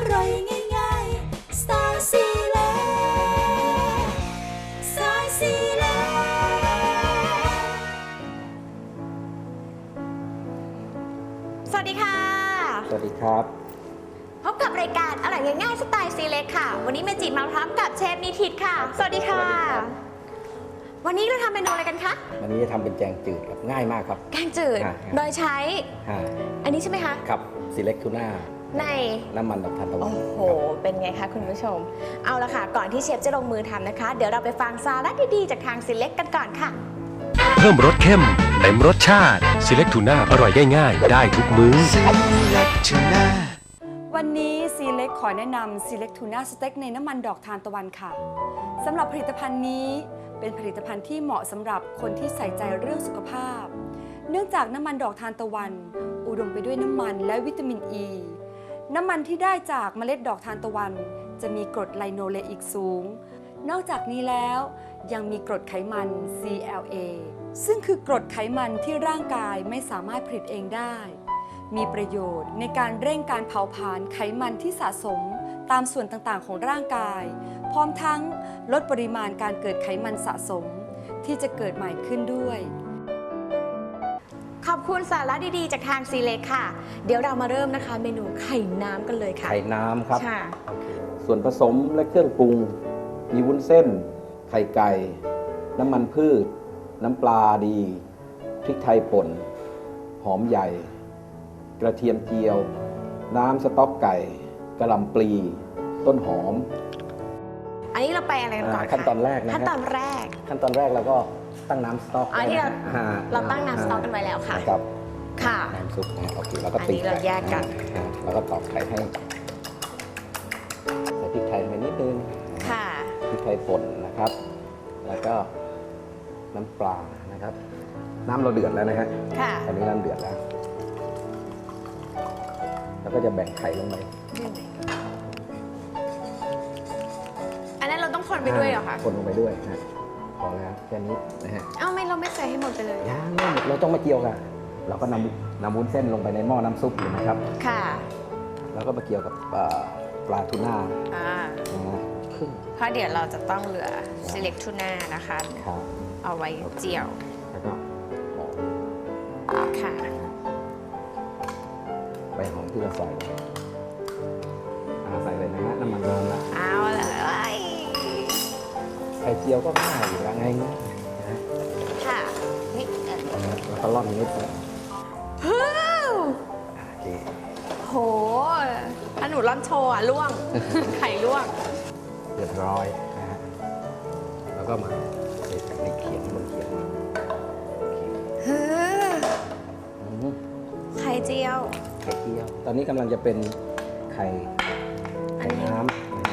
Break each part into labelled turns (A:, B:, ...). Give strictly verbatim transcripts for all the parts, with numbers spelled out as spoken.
A: ร่อยง่ายๆสไตล์ซีเล็กสไตล์ซีเล็กสวัสดีค่ะ
B: สวัสดีครับ
A: พบกับรายการอร่อยง่ายๆสไตล์ซีเล็กค่ะวันนี้เมจิมาพร้อมกับเชฟนิทิตค่ะสวัสดีค่ะวันนี้เราทำเมนูอะไรกันคะ
B: วันนี้จะทำเป็นแกงจืดครับง่ายมากครับ
A: แกงจืดโดยใช้อันนี้ใช่ไหมคะ
B: ครับซีเล็กทูน่า
A: ใน
B: น้ำมันดอกทานตะวัน
A: โอ้โหเป็นไงคะคุณผู้ชมเอาละค่ะก่อนที่เชฟจะลงมือทำนะคะเดี๋ยวเราไปฟังสาระดีๆจากทางซีเล็กกันก่อนค่ะ
C: เพิ่มรสเข้มเต็มรสชาติ Select Tuna อร่อยง่ายๆได้ทุกมื้อ
D: Select Tuna
E: วันนี้ซีเล็กขอแนะนำ Select Tuna สเต็กในน้ำมันดอกทานตะวันค่ะสำหรับผลิตภัณฑ์นี้เป็นผลิตภัณฑ์ที่เหมาะสำหรับคนที่ใส่ใจเรื่องสุขภาพเนื่องจากน้ำมันดอกทานตะวันอุดมไปด้วยน้ำมันและวิตามินอ e. ีน้ำมันที่ได้จากเมล็ดดอกทานตะวันจะมีกรดไลโนเลอิกสูงนอกจากนี้แล้วยังมีกรดไขมัน ซี แอล เอ ซึ่งคือกรดไขมันที่ร่างกายไม่สามารถผลิตเองได้มีประโยชน์ในการเร่งการเผาผลาญไขมันที่สะสมตามส่วนต่างๆของร่างกายพร้อมทั้งลดปริมาณการเกิดไขมันสะสมที่จะเกิดใหม่ขึ้นด้วย
A: ขอบคุณสาระดีๆจากทางซีเล็กค่ะเดี๋ยวเรามาเริ่มนะคะเมนูไข่น้ำกันเลยค่ะ
B: ไข่น้ำครับ
A: ค่ะ
B: ส่วนผสมและเครื่องปรุงมีวุ้นเส้นไข่ไก่น้ำมันพืชน้ำปลาดีพริกไทยป่นหอมใหญ่กระเทียมเจียวน้ำสต๊อกไก่กระหล่ำปลีต้นหอม
A: อันนี้เราไปอะไรกันก่อน
B: ขั้นตอนแรกนะ
A: ขั้นตอนแรก
B: ขั้นตอนแรกเราก็ตั้งน้ำสต๊อก
A: อันนี้เราเราตั้งน้ำสต๊อกกันไว้แล้วค่ะ
B: ครับ
A: ค่ะ
B: น้ำซุปนะโอเคแล้วก็
A: ตีเราแยกกัน
B: แล้วก็ตอกไข่ให้ใส่พริกไทยไปนิดนึง
A: ค่ะ
B: พริกไทยป่นนะครับแล้วก็น้ำปลานะครับน้ำเราเดือดแล้วนะฮะ
A: ค่ะ
B: ตอนนี้น้ำเดือดแล้วแล้วก็จะแบ่งไข่ลงไป
A: อันนั้นเราต้องคนไปด้วยเหรอคะ
B: คนลงไปด้วยนะพอแล้วแค่นี้นะฮะ
A: เอ้าไม่เราไม่ใส่ให้หมดไปเลย
B: ยังไม่หมดเราต้องมาเกี่ยวกันเราก็นำนำวุ้นเส้นลงไปในหม้อน้ำซุปเลยนะครับ
A: ค่ะ
B: แล้วก็มาเกี่ยวกับปลาทูน่า
A: อ่า
B: ครึ่ง
A: เพราะเดี๋ยวเราจะต้องเหลือ Select Tuna นะคะเอาไว้เจียว
B: แล้วก็หอม
A: ค่ะ
B: ใบหอมที่เราใส่ใส่เลยนะฮะน้ำมันร้อนแล้ว
A: เอาเลย
B: ไข่เจียวก็ง่ายอยู่แล้วไงนะ
A: ค่ะนี่
B: แล้วก็ร่อนนิดนึง
A: ฮู้
B: โอเค
A: โหถ้าหนูร่อนโชว์อ่ะล่วง ไข่ล่วง
B: เรียบร้อยนะฮะแล้วก็มาเด็ดในเขียงบนเขียง
A: ฮึไข่เจียว
B: ไข่เจียวตอนนี้กำลังจะเป็นไข่ไข่น้ำ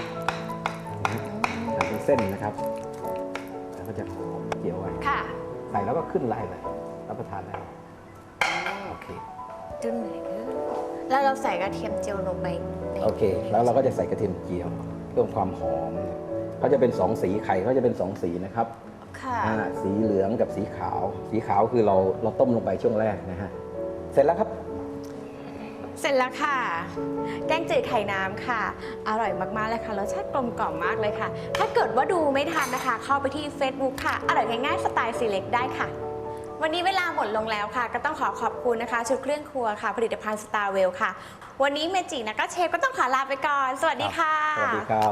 B: เป็นเส้นนะครับแล้วก็จะหอมเจียวไว้
A: ค่ะ
B: ใส่แล้วก็ขึ้นไล่เลยรับประทานได้โอเค
A: ดึงแล้วเราใส่กระเทียมเจียวลงไป
B: โอเคแล้วเราก็จะใส่กระเทียมเจียวเพิ่มความหอมเขาจะเป็นสองสีไข่เขาจะเป็นสองสีนะครับ
A: ค่ะ
B: สีเหลืองกับสีขาวสีขาวคือเราเราต้มลงไปช่วงแรกนะฮะเสร็จแล้วครับ
A: เสร็จแล้วค่ะแกงจืดไข่น้ำค่ะอร่อยมากๆเลยค่ะรสชาติกลมกล่อมมากเลยค่ะถ้าเกิดว่าดูไม่ทันนะคะเข้าไปที่ Facebook ค่ะอร่อยง่ายๆสไตล์ซีเล็กได้ค่ะวันนี้เวลาหมดลงแล้วค่ะก็ต้องขอขอบคุณนะคะชุดเครื่องครัวค่ะผลิตภัณฑ์ Starwell ค่ะวันนี้เมจินะก็เชฟก็ต้องขอลาไปก่อนสวัสดีค่ะ
B: สวัสดีครับ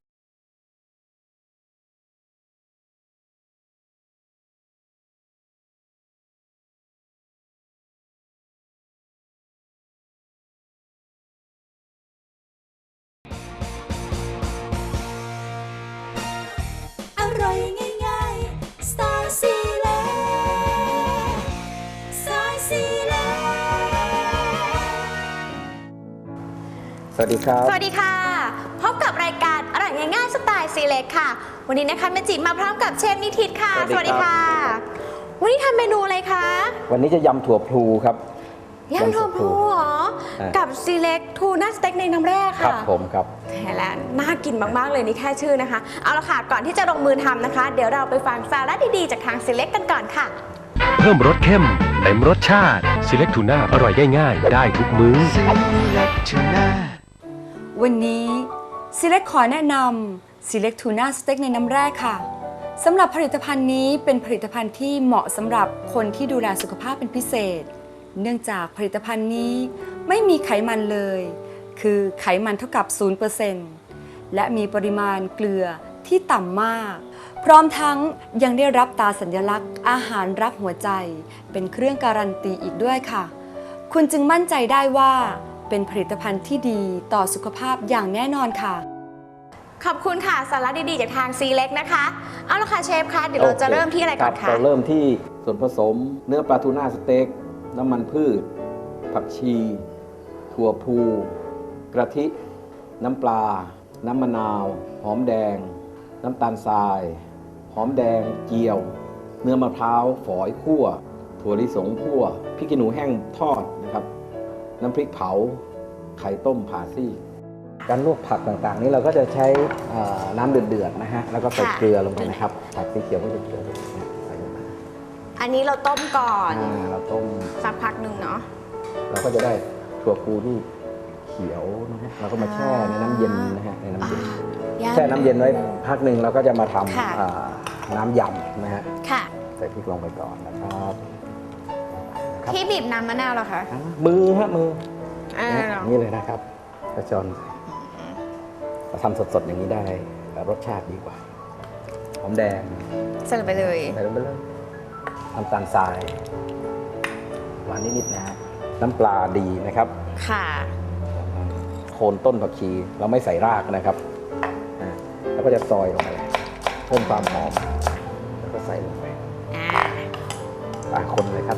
A: อร่อยง่ายๆสไตล์ซีเล็กสไตล์ซีเล็ก
B: สวัสดีครับ
A: สวัสดีค่ะพบกับรายการอร่อยง่ายๆสไตล์ซีเล็กค่ะวันนี้นะคะเมจิมาพร้อมกับเชฟนิทิตค่ะสวัสดีค่ะวันนี้ทำเมนูอะไรคะ
B: วันนี้จะยำถั่วพลูครับ
A: ยำถั่วพลูเหรอกับซีเล็กทูน่าสเต็กในน้ำแร่ค่ะ
B: ครับผมครับ
A: แหมแล้วน่ากินมากๆเลยนี่แค่ชื่อนะคะเอาละค่ะก่อนที่จะลงมือทำนะคะเดี๋ยวเราไปฟังสาระดีๆจากทางซีเล็กกันก่อนค่ะ
C: เพิ่มรสเข้มเต็มรสชาติ Select Tuna อร่อยง่ายๆได้ทุกมื้อ
D: Select Tuna
E: วันนี้ซีเล็กขอแนะนำซีเล็กทูน่าสเต็กในน้ำแร่ค่ะสำหรับผลิตภัณฑ์นี้เป็นผลิตภัณฑ์ที่เหมาะสำหรับคนที่ดูแลสุขภาพเป็นพิเศษ เนื่องจากผลิตภัณฑ์นี้ไม่มีไขมันเลย คือไขมันเท่ากับ ศูนย์เปอร์เซ็นต์ และมีปริมาณเกลือที่ต่ำมาก พร้อมทั้งยังได้รับตราสัญลักษณ์อาหารรักหัวใจเป็นเครื่องการันตีอีกด้วยค่ะ คุณจึงมั่นใจได้ว่าเป็นผลิตภัณฑ์ที่ดีต่อสุขภาพอย่างแน่นอนค่ะ
A: ขอบคุณค่ะสาระดีๆจากทางซีเล็กนะคะเอาละค่ะเชฟคะเดี๋ยวเราจะเริ่มที่อะไรก่อน
B: รั
A: คะ
B: บเราเริ่มที่ส่วนผสมเนื้อปลาทูน่าสเต็กน้ำมันพืช ผักชี ถั่วพู กระทิ น้ำปลา น้ำมะนาว หอมแดง น้ำตาลทราย หอมแดงเจียว เนื้อมะพร้าวฝอยคั่ว ถั่วลิสงคั่วพริกขี้หนูแห้งทอดนะครับ น้ำพริกเผา ไข่ต้มผ่าซี่ การลวกผักต่างๆ นี้เราก็จะใช้เอ่อน้ำเดือดๆนะฮะแล้วก็ใส่เกลือลงไปนะครับผักสีเขียวก็จะเกลือนะใส่ลงไป
A: อันนี้เราต้มก่อน
B: อ่าเราต้ม
A: สักพักหนึ่งเนาะ
B: เราก็จะได้ถั่วพูที่เขียวนะฮะเราก็มาแช่ในน้ำเย็นนะฮะในน้ำเย็น
A: ย่าง
B: แช่น้ำเย็นไว้พักหนึ่งเราก็จะมาท
A: ค่ะ
B: ำอ่าน้ำยำนะฮะ
A: ค่ะ
B: ใส่พริกลงไปก่อนนะครับครับ
A: ที่บีบน้ำมะนาวเหรอคะ
B: อ่ามือฮะมือ
A: อ่า
B: นะฮะนี่เลยนะครับกระชอนเราทำสดๆอย่างนี้ได้รสชาติดีกว่าหอมแดง
A: ใส่ลงไปเลย
B: ใส่ลงไปเลยน้ำตาลทรายหวานนิดๆนะฮะน้ำปลาดีนะครับ
A: ค่ะ
B: โคนต้นผักชีเราไม่ใส่รากนะครับอ่าแล้วก็จะซอยลงไปเพิ่มความหอมแล้วก็ใส่ลงไป
A: อ่า
B: อ่าคนเลยครับ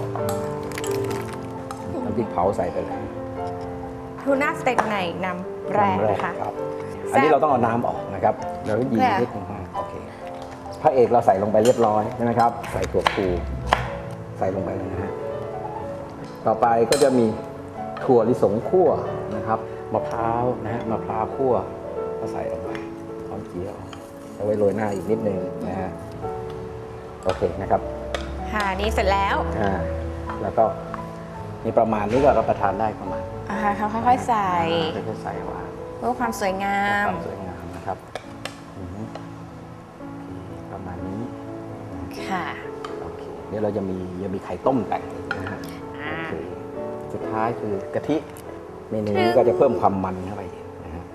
B: น้ำพริกเผาใส่ไปเลย
A: ทูน่าสเต็กในน้ำแร่
B: น้ำแรก
A: นะคะ
B: ครับอันนี้เราต้องเอาน้ำออกนะครับเราก็ยี
A: ค่ะ
B: นิดนึงโอเคพระเอกเราใส่ลงไปเรียบร้อยใช่ไหมครับ ใส่ถั่วพูใส่ลงไปเลยนะฮะต่อไปก็จะมีถั่วลิสงคั่วนะครับมะพร้าวนะฮะมะพร้าวคั่วก็ใส่ลงไปหอมเจียวเอาไว้โรยหน้าอีกนิดนึงนะฮะโอเคนะครับ
A: ค่ะนี่เสร็จแล้ว
B: อ่าแล้วก็มีประมาณนี้ก็รับประทานได้ประมาณ
A: อ่าเขาค่อยๆใส่
B: ค่อยๆใส่วาง
A: เพื่อความสวยงา
B: ค
A: ม
B: วามสวยงามนะครับอือฮึประมาณนี้
A: ค่ะ
B: โอเคเดี๋ยวเราจะมียังมีไข่ต้มแต่งอีกนะฮะ
A: อ่า
B: โอเคสุดท้ายคือกะทิเมนูนี้ก็จะเพิ่มความมันเข้าไปนะฮะ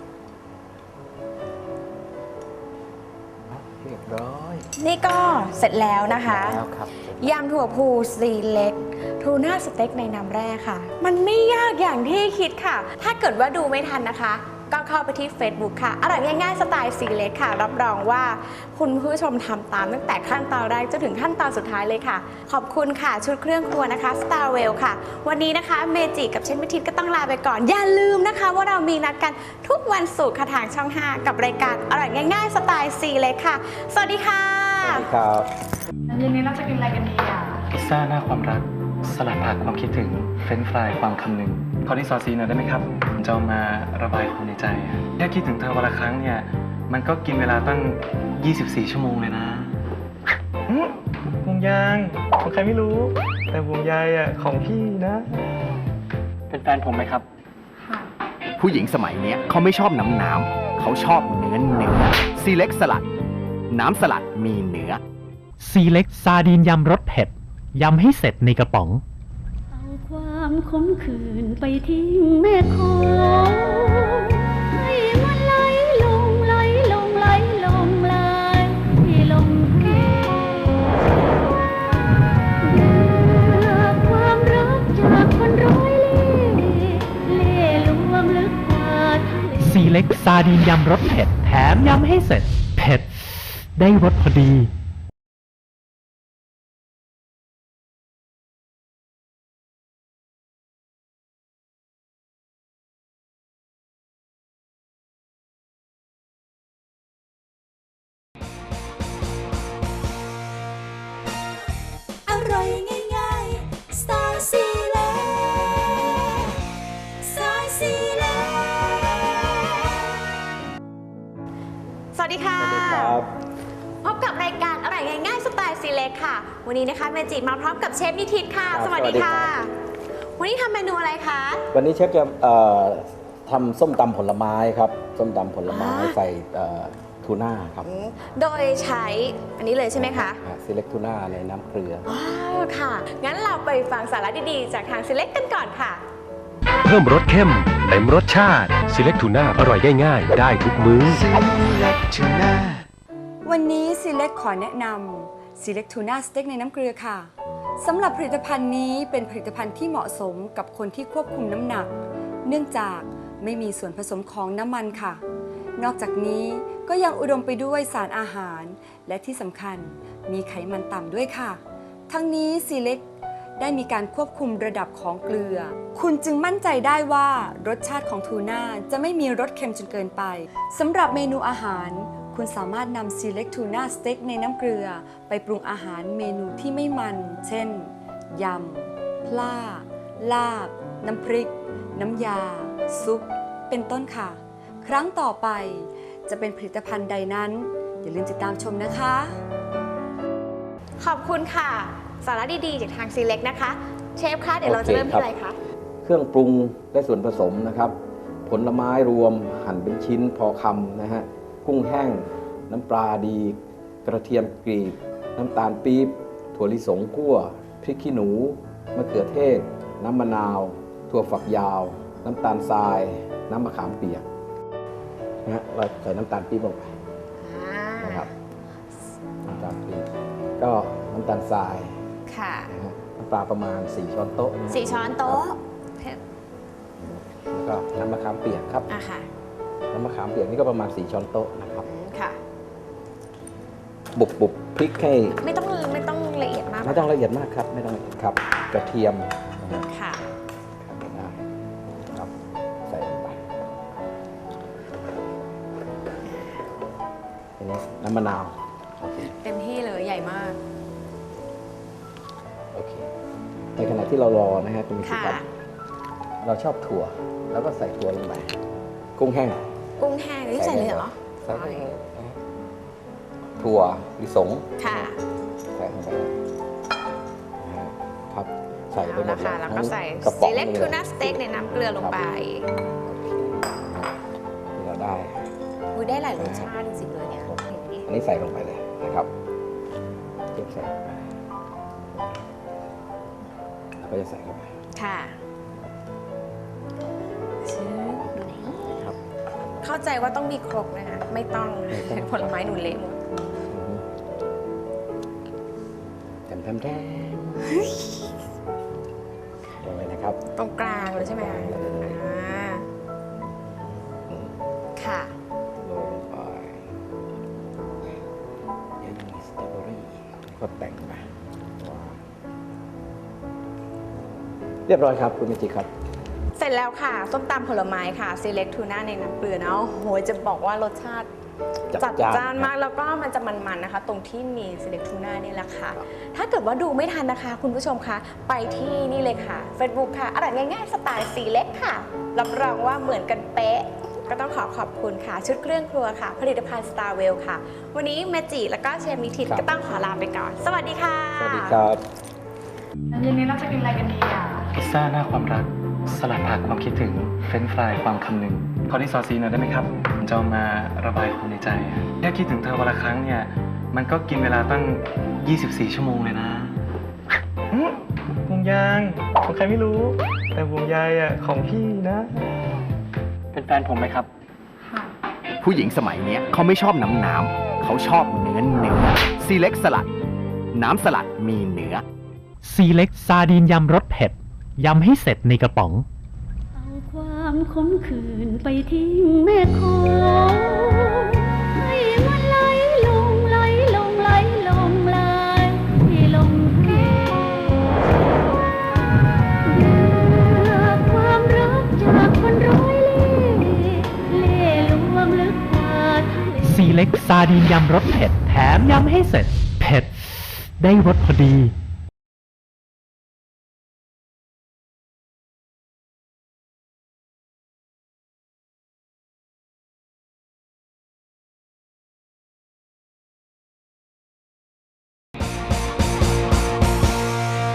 B: เรียบร้อย
A: นี่ก็เสร็จแล้วนะคะ
B: แล้วครับ
A: ยำถั่วพูซีเล็กทูน่าสเต็กในน้ำแร่ค่ะ มันไม่ยากอย่างที่คิดค่ะ ถ้าเกิดว่าดูไม่ทันนะคะ ก็เข้าไปที่ Facebook ค่ะอร่อยง่ายๆสไตล์ซีเล็กค่ะ รับรองว่าคุณผู้ชมทำตามตั้งแต่ขั้นตอนแรกจนถึงขั้นตอนสุดท้ายเลยค่ะ ขอบคุณค่ะชุดเครื่องครัวนะคะ Starwell ค่ะ วันนี้นะคะเมจิกับเชนพิทิตก็ต้องลาไปก่อน อย่าลืมนะคะ ว่าเรามีนัดกันทุกวันศุกร์ค่ะทางช่อง ห้า กับรายการอร่อยง่ายๆสไตล์ซีเล็กค่ะ สวัสดีค่ะ
B: สวัสดีครับ
A: เย็นนี้เราจะกินอะไรกันดีอ่ะ
F: พิซซ่าหน้าความรัก สลัดผักความคิดถึง เฟรนช์ฟรายความคำนึงขอที่ซอสซีหน่อยได้ไหมครับผมจะเอามาระบายความในใจอะแค่คิดถึงเธอวันละครั้งเนี่ย มันก็กินเวลาตั้ง ยี่สิบสี่ ชั่วโมงเลยนะอืมห่วงยางของใครไม่รู้ แต่ห่วงใยอ่ะของพี่นะ เป็นแฟนผมไหมครับ
G: ผู้หญิงสมัยเนี้ยเขาไม่ชอบน้ำน้ำเขาชอบเนื้อเนื้อซีเล็กสลัด น้ำสลัดมีเนื้อ
H: ซีเล็กซาดีนยำรสเผ็ด ยำให้เสร็จในกระป๋อง
I: เอาความขมขื่นไปทิ้งแม่คงให้มันไหลลงไหลลงไหลลงไหลลงเทเรือความรักจากคนร้อยเล่ห์เล่ห์ลวงลึกกว่าทะเล
H: ซีเล็กซาดีนยำรสเผ็ด แถมยำให้เสร็จ เผ็ด ได้รสพอดี
I: อร่อยง่ายๆสไตล์ซีเล็กสไตล์ซีเล็ก
A: สวัสดีค่ะ
B: ครับ
A: พบกับรายการอร่อยง่ายๆสไตล์ซีเล็กค่ะ วันนี้นะคะเมจิมาพร้อมกับเชฟนิทิตค่ะ
B: ครับ
A: สวัสดีค่ะ
B: สวัสดีครับ
A: วันนี้ทำเมนูอะไรคะ
B: วันนี้เชฟจะเอ่อททำส้มตำผลไม้ครับส้มตำผลไม้ใส่เอ่อทูน่าครับ
A: โดยใช้อันนี้เลยใช่ไหมคะ
B: ซีเล็กทูน่าในน้ำเกลือ
A: ว้าวค่ะ งั้นเราไปฟังสาระดีๆ จากทาง Select กันก่อนค่ะ
C: เพิ่มรสเข้มเต็มรสชาติ Select Tuna อร่อยได้ง่ายได้ทุกมื้อ
D: Select Tuna
E: วันนี้ Select ขอแนะนำ Select Tuna Steak ในน้ำเกลือค่ะสำหรับผลิตภัณฑ์นี้เป็นผลิตภัณฑ์ที่เหมาะสมกับคนที่ควบคุมน้ำหนัก เนื่องจากไม่มีส่วนผสมของน้ำมันค่ะ นอกจากนี้ก็ยังอุดมไปด้วยสารอาหาร และที่สำคัญมีไขมันต่ำด้วยค่ะ ทั้งนี้ Select ได้มีการควบคุมระดับของเกลือ คุณจึงมั่นใจได้ว่ารสชาติของทูน่าจะไม่มีรสเค็มจนเกินไปสำหรับเมนูอาหารคุณสามารถนำ Select Tuna Steak ในน้ำเกลือไปปรุงอาหารเมนูที่ไม่มัน เช่น ยำ พล่า ลาบ น้ำพริก น้ำยา ซุป เป็นต้นค่ะ ครั้งต่อไปจะเป็นผลิตภัณฑ์ใดนั้น อย่าลืมติดตามชมนะคะ
A: ขอบคุณค่ะ สาระดีๆ จากทาง Select นะคะ เชฟคะเดี๋ยวเราจะเริ่มที่อะไรคะ
B: เครื่องปรุงและส่วนผสมนะครับ ผลไม้รวมหั่นเป็นชิ้นพอคำนะฮะกุ้งแห้ง น้ำปลาดี กระเทียมกรีบ น้ำตาลปี๊บถั่วลิสงคั่วพริกขี้หนูมะเขือเทศ น้ำมะนาว ถั่วฝักยาว น้ำตาลทราย น้ำมะขามเปียกนะฮะเราใส่น้ำตาลปี๊บลงไปนะครับน้ำตาลปี๊บก็น้ำตาลทราย
A: ค่ะ
B: นะฮะน้ำปลาประมาณสี่ช้อนโต๊ะนะ
A: สี่ช้อนโต๊ะ
B: แล้วก็น้ำมะขามเปียกครับ
A: อ่ะค่ะ
B: น้ำมะขามเปียกนี่ก็ประมาณสี่ช้อนโต๊ะนะครับ
A: ค่ะ
B: บุบบุบพริกให้
A: ไม่ต้องไม่ต้องละเอียดมาก
B: ไม่ต้องละเอียดมากครับไม่ต้องละเอียดครับ กระเทียมนะฮะ
A: ค่ะ
B: ครับได้ครับใส่ลงไปทีนี้น้ำมะนาวโอเค
A: เต็มที่เลยใหญ่มาก
B: โอเคในขณะที่เรารอนะฮะคุณมิตร
A: ค่ะ
B: ครับเราชอบถั่วแล้วก็ใส่ถั่วลงไปกุ้งแห้ง
A: กุ้งแห้งนี่ใส่เลยเหรอ
B: ใส่เลยนะฮะถั่วลิสง
A: ค่ะ
B: ใส่ลงไปนะฮะครับใส่ไปหม
A: แล้
B: ด
A: ว
B: เลย
A: ค่ะแล้วก็ใส่
B: กระป๋อง
A: Select
B: เลย
A: Tuna Steak ในน้ำเกลือลงไป
B: ที่เราได้
A: อุ้ยได้หลายรสชาติจริงๆเลยเนี่ยเห็นดิ
B: อันนี้ใส่ลงไปเลยนะครับเก็บใส่ลงไปแล้วก็จะใส่เข้าไป
A: ค่ะชื่อดูไหน
B: ครับ
A: เข้าใจว่าต้องมีครกนะคะ ไม่ต้อง ผลไม้หนูเละหมด
B: แถมแถมแถมลงไปนะครับ
A: ตรงกลางเลยใช่ไหมคะอ่าค่ะ
B: โรยลงไปยังมีสตรอเบอรี่ก็แต่งไปว้าวเรียบร้อยครับคุณเมจิครับ
A: เสร็จแล้วค่ะ ส้มตำผลไม้ค่ะ Select Tuna ในน้ำเกลือนะโอ้โหจะบอกว่ารสชาติ
B: จัด
A: จัด
B: จ้าน
A: จ้านมากแล้วก็มันจะมันๆนะคะ ตรงที่มี Select Tuna นี่แหละค่ะ ถ้าเกิดว่าดูไม่ทันนะคะ คุณผู้ชมคะไปที่นี่เลยค่ะ Facebook ค่ะอร่อยง่ายๆสไตล์ Select ค่ะรับรองว่าเหมือนกันเป๊ะ ก็ต้องขอขอบคุณค่ะ ชุดเครื่องครัวค่ะ ผลิตภัณฑ์ Starwell ค่ะ วันนี้เมจิแล้วก็เชฟนิทิตก็ต้องขอลาไปก่อน สวัสดีค่ะ
B: สวัสดีครับ
A: เย็นนี้เราจะกินอะไรกันดีอ่ะ
F: พิซซ่าหน้าความรัก สลัดผักความคิดถึง เฟรนช์ฟรายความคำนึงขอที่ซอสซีหน่อยได้ไหมครับผมจะเอามาระบายความในใจอะแค่คิดถึงเธอวันละครั้งเนี่ย มันก็กินเวลาตั้ง ยี่สิบสี่ ชั่วโมงเลยนะอื้อห่วงยางของใครไม่รู้ แต่ห่วงใยอ่ะของพี่นะ เป็นแฟนผมไหมครับ
G: ผู้หญิงสมัยเนี้ยเขาไม่ชอบน้ำน้ำเขาชอบเนื้อเนื้อ Select สลัด น้ำสลัดมีเนื้อ
H: ซีเล็กซาดีนยำรสเผ็ด ยำให้เสร็จในกระป๋อง
I: เอาความขมขื่นไปทิ้งแม่คงให้มันไหลลงไหลลงไหลลงไหลลงเกเลือกความรักจากคนร้อยเล่ห์เล่ห์ลวงลึกกว่าทะเล
H: ซีเล็กซาดีนยำรสเผ็ด แถมยำให้เสร็จ เผ็ด ได้รสพอดี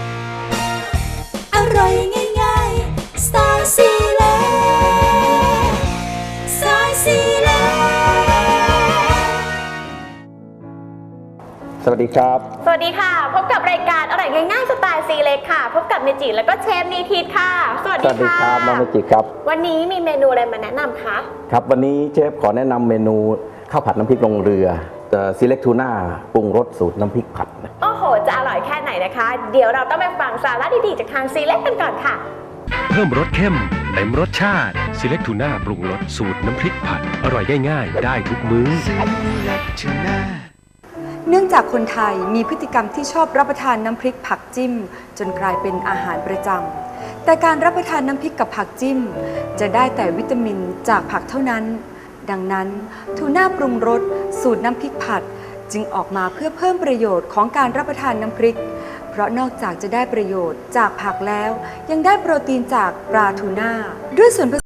J: อร่อยง่ายๆสไตล์ซีเล็ก
B: สวัสดีครับ
A: สวัสดีค่ะ พบกับรายการอร่อยง่ายๆสไตล์ซีเล็กค่ะ พบกับเมจิแล้วก็เชฟนีทิดค่ะ สวัส
B: ส
A: ดี
B: วัสดี
A: ค่ะ
B: ครับน้องเมจิครับ
A: วันนี้มีเมนูอะไรมาแนะนำคะ
B: ครับวันนี้เชฟขอแนะนำเมนูข้าวผัดน้ำพริกลงเรือซีเล็กทูน่าปรุงรสสูตรน้ำพริกผัดนะ
A: โอ้โห จะอร่อยแค่ไหนนะคะ เดี๋ยวเราต้องไปฟังสาระดีๆจากทางซีเล็กกันก่อนค่ะ
C: เพิ่มรสเข้มเต็มรสชาติ Select Tuna ปรุงรสสูตรน้ำพริกผัด อร่อยง่ายๆได้ทุกมื้อ
D: Select Tuna
E: เนื่องจากคนไทยมีพฤติกรรมที่ชอบรับประทานน้ำพริกผักจิ้ม จนกลายเป็นอาหารประจำแต่การรับประทานน้ำพริกกับผักจิ้ม จะได้แต่วิตามินจากผักเท่านั้น ดังนั้นทูน่าปรุงรสสูตรน้ำพริกผัด จึงออกมาเพื่อเพิ่มประโยชน์ของการรับประทานน้ำพริก เพราะนอกจากจะได้ประโยชน์จากผักแล้ว ยังได้โปรตีนจากปลาทูน่าด้วยส่วนผ